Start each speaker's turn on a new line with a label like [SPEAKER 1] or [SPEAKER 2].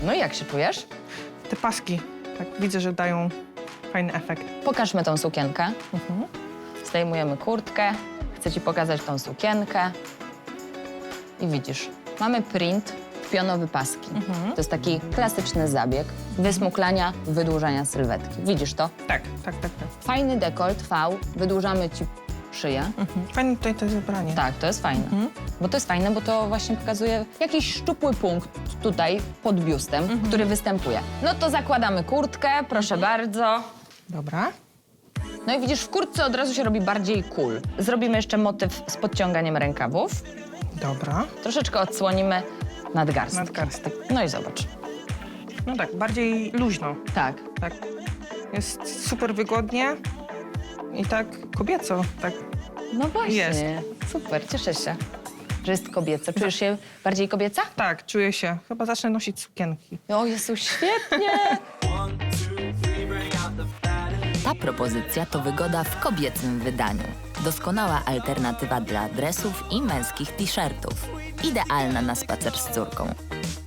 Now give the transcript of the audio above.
[SPEAKER 1] No i jak się czujesz?
[SPEAKER 2] Te paski, tak widzę, że dają fajny efekt.
[SPEAKER 1] Pokażmy tą sukienkę. Zdejmujemy kurtkę. Chcę ci pokazać tą sukienkę. I widzisz, mamy print, pionowy paski. To jest taki klasyczny zabieg wysmuklania, wydłużania sylwetki. Widzisz to?
[SPEAKER 2] Tak.
[SPEAKER 1] Fajny dekolt, V, wydłużamy ci szyję.
[SPEAKER 2] Fajne tutaj to zebranie.
[SPEAKER 1] Tak, to jest fajne. Bo to jest fajne, bo to właśnie pokazuje jakiś szczupły punkt tutaj pod biustem, który występuje. No to zakładamy kurtkę, proszę bardzo.
[SPEAKER 2] Dobra.
[SPEAKER 1] No i widzisz, w kurtce od razu się robi bardziej cool. Zrobimy jeszcze motyw z podciąganiem rękawów.
[SPEAKER 2] Dobra.
[SPEAKER 1] Troszeczkę odsłonimy nadgarstki.
[SPEAKER 2] Nadgarstek.
[SPEAKER 1] No i zobacz.
[SPEAKER 2] No tak, bardziej luźno.
[SPEAKER 1] Tak.
[SPEAKER 2] Tak. Jest super wygodnie i tak kobieco. Tak.
[SPEAKER 1] No właśnie.
[SPEAKER 2] Jest.
[SPEAKER 1] Super, cieszę się, że jest kobieco. Czujesz się bardziej kobieca?
[SPEAKER 2] Tak, czuję się. Chyba zacznę nosić sukienki.
[SPEAKER 1] O Jezu, świetnie!
[SPEAKER 3] Ta propozycja to wygoda w kobiecym wydaniu. Doskonała alternatywa dla dresów i męskich t-shirtów. Idealna na spacer z córką.